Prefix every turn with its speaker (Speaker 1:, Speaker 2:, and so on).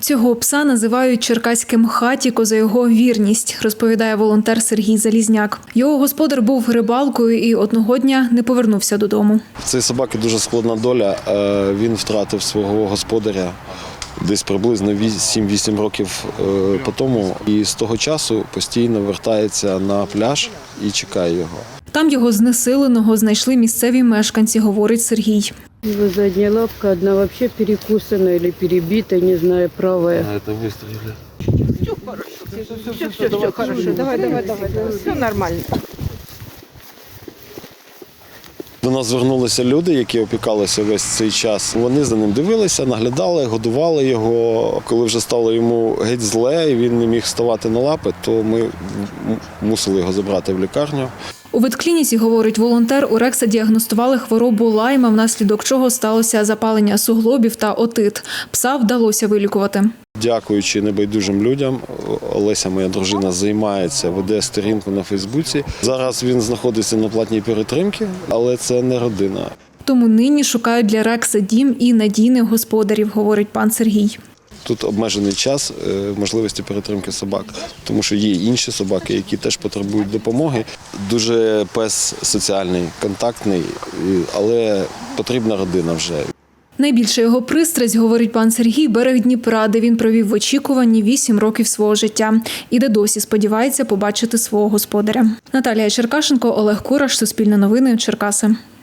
Speaker 1: Цього пса називають черкаським хатіко за його вірність, розповідає волонтер Сергій Залізняк. Його господар був рибалкою і одного дня не повернувся додому.
Speaker 2: В цієї собаки дуже складна доля. Він втратив свого господаря десь приблизно 7-8 років по тому. І з того часу постійно вертається на пляж і чекає його.
Speaker 1: Там його знесиленого знайшли місцеві мешканці, говорить Сергій.
Speaker 3: Его задняя лапка одна вообще перекусана или перебита, не знаю, правая.
Speaker 2: Це вистріли.
Speaker 3: Все хорошо. Давай. Все нормально.
Speaker 2: До нас звернулися люди, які опікалися весь цей час. Вони за ним дивилися, наглядали, годували його. Коли вже стало йому геть зле і він не міг ставати на лапи, то ми мусили його забрати в лікарню.
Speaker 1: У ветклініці, говорить волонтер, у Рекса діагностували хворобу Лайма, внаслідок чого сталося запалення суглобів та отит. Пса вдалося вилікувати.
Speaker 2: Дякуючи небайдужим людям, Олеся, моя дружина, займається, веде сторінку на Фейсбуці. Зараз він знаходиться на платній перетримці, але це не родина.
Speaker 1: Тому нині шукають для Рекса дім і надійних господарів, говорить пан Сергій.
Speaker 2: Тут обмежений час можливості перетримки собак, тому що є інші собаки, які теж потребують допомоги. Дуже пес соціальний, контактний, але потрібна родина вже.
Speaker 1: Найбільша його пристрасть, говорить пан Сергій, берег Дніпра, де він провів в очікуванні 8 років свого життя. І де досі сподівається побачити свого господаря. Наталія Черкашенко, Олег Кураш, Суспільне новини, Черкаси.